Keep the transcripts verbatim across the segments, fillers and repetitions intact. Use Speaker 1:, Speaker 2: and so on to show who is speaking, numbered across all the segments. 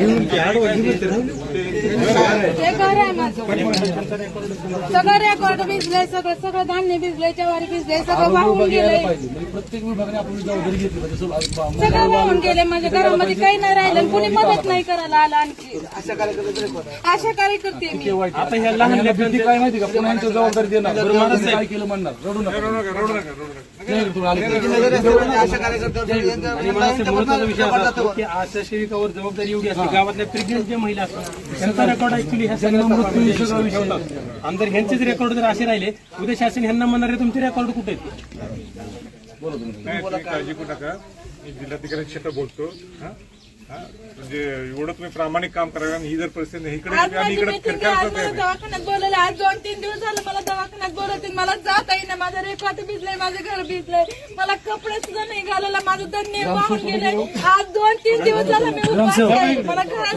Speaker 1: आहे माझं. सगळं रेकॉर्ड भिजलंय, सगळं सगळं धान्य भिजलंय, ज्वारी भिजलंय, सगळं वाहून गेलंय.
Speaker 2: प्रत्येक विभागाने आपण जबाबदारी घेतली.
Speaker 1: सगळं वाहून गेले. माझ्या घरामध्ये काही नाही राहिलं. कुणी मदत नाही करायला आला. आणखी अशा कार्यकर्ते मी.
Speaker 2: आता ह्या लहान लेकरांची काय माहिती का, पुन्हा यांची जबाबदारी देणार. काय केलं म्हणणार, रडू नका रडू नका रडू नका
Speaker 3: आशा सेविकावर जबाबदारी एवढी असते. गावातल्या प्रेग्नेंट ज्या महिला असतात त्यांचा रेकॉर्ड ऍक्च्युली ह्या आमदार ह्यांचेच रेकॉर्ड जर असे राहिले, उद्या शासन ह्यांना म्हणणार आहे तुमचे रेकॉर्ड कुठे आहेत.
Speaker 4: काळजी करू नका. मी जिल्हाधिकाऱ्यांशी बोलतो. म्हणजे एवढं तुम्ही प्रामाणिक काम करा. ही जर परिस्थिती इकडे
Speaker 1: दवाखान्यात बोलवलं. आज दोन तीन दिवस झालं मला दवाखान्यात बोलवतील. मला जाता येईना. माझं रेकॉर्ड भिजलंय, माझं घर भिजलंय, मला कपडे सुद्धा नाही घालायला. माझं धन्य वाहून गेलंय. आज दोन तीन दिवस झालं मी उपास आहे. मला घरात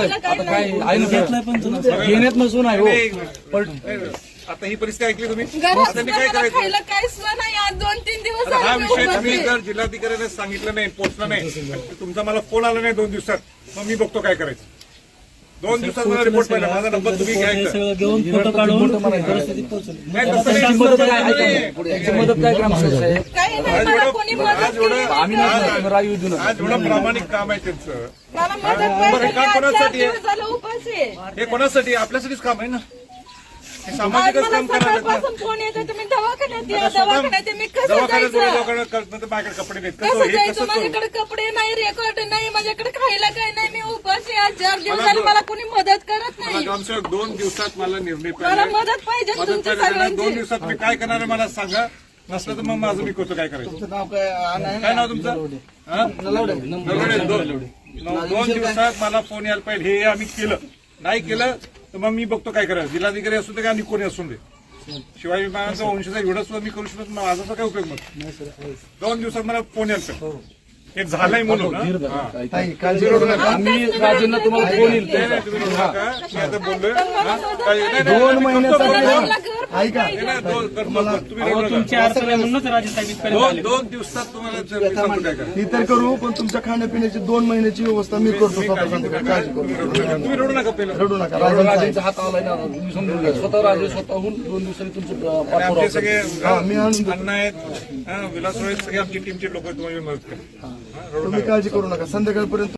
Speaker 2: घेण्यात नसून आहे.
Speaker 4: आता ही परिस्थिती ऐकली तुम्ही.
Speaker 1: घरात काय खायला काय सुद्धा नाही. आज दोन तीन दिवस
Speaker 4: हा
Speaker 1: झाले
Speaker 4: विषय तुम्ही जर जिल्हाधिकाऱ्याने सांगितलं नाही, पोहोचला नाही, तुमचा मला फोन आला नाही दोन दिवसात, मग मी बघतो काय करायचं. दोन दिवसात मला रिपोर्ट पाहिजे. माझा नंबर तुम्ही घ्यायचा.
Speaker 3: घेऊन फोटो काढून परिस्थितीत
Speaker 4: नाही तसं नाही.
Speaker 2: मदत काय ग्रामसेवक साहेब,
Speaker 1: काही नाही. मला कोणी मदत
Speaker 4: आज एवढं
Speaker 2: आम्ही नाही राजू देऊ नका.
Speaker 4: आज एवढं प्रामाणिक काम आहे त्यांचं.
Speaker 1: मला मदत
Speaker 4: बरं,
Speaker 1: पाहिजे.
Speaker 4: हे काम
Speaker 1: आज चार
Speaker 4: कोणासाठी आहे?
Speaker 1: दिवस झालं उपास आहे.
Speaker 4: हे कोणासाठी? आपल्यासाठीच काम आहे ना. हे
Speaker 1: आज
Speaker 4: सामाजिकच
Speaker 1: मला
Speaker 4: काम करायला
Speaker 1: सकाळपासून फोन येतो. तुम्ही दवाखान्यात या, दवाखान्यात या. मी कसं
Speaker 4: दवाखान्यात
Speaker 1: जायचं?
Speaker 4: दवाखान्यात माझ्याकडे कपडे नाहीत. कसं
Speaker 1: कसं
Speaker 4: हे
Speaker 1: जायचं?
Speaker 4: कसं करू?
Speaker 1: माझ्याकडे कपडे नाही, रेकॉर्ड नाही, माझ्याकडे खायला काही नाही. मी उपास आहे. आज चार दिवस झाले मला कोणी मदत करत
Speaker 4: मला
Speaker 1: नाही.
Speaker 4: ग्रामसेवक दोन दिवसात मला निर्णय
Speaker 1: मला
Speaker 4: पाहिजे.
Speaker 1: मदत पाहिजे
Speaker 4: मदत
Speaker 1: तुमच्या
Speaker 4: पाहिजे. दोन
Speaker 1: सगळ्यांची.
Speaker 4: दिवसात मी काय करणार आहे मला सांगा. नसलं तर मग माझं मी करतो. काय करायचं? काय नाव तुमचं? हा? नलवडे. दोन दोन दिवसात मला फोन यायला पाहिजे. हे आम्ही केलं नाही केलं तर मग मी बघतो काय करायचं. जिल्हाधिकारी असू दे का आणि कोणी असून दे. शिवाय विमानाचा वंशजा एवढं सुद्धा मी करू शकत. माझा काय उपयोग मग. दोन दिवसात मला फोन यायला पाहिजे. हे झालंय म्हणून
Speaker 2: आम्ही राजेंना तुम्हाला फोन येईल.
Speaker 4: तुम्ही रडू नका. मी आता बोललोय.
Speaker 2: दोन महिन्याचा
Speaker 1: मला घर
Speaker 2: ऐका
Speaker 3: तुमची अडचण आहे म्हणूनच राजे साहेब इथपर्यंत
Speaker 4: दोन
Speaker 3: आले.
Speaker 4: दोन दिवसात तुम्हाला जर मी सांगतो काय करा.
Speaker 5: ही तर करू, पण तुमच्या खाण्यापिण्याची दोन महिन्याची व्यवस्था मी करतो स्वतः. काळजी करू
Speaker 4: तुम्ही रडू नका पहिलं.
Speaker 5: रडू नका.
Speaker 2: राजेंचा हात आलाय ना, तुम्ही समजून घ्या. स्वतः राजे स्वतःहून दोन दिवसांनी तुमचं पाठपुरावा
Speaker 4: आमचे सगळे
Speaker 5: मी आणून
Speaker 4: अण्णा आहेत, विलास रोहित, सगळे आमची टीमचे लोक तुम्हाला मदत करा.
Speaker 5: तुम्ही काळजी करू नका. संध्याकाळपर्यंत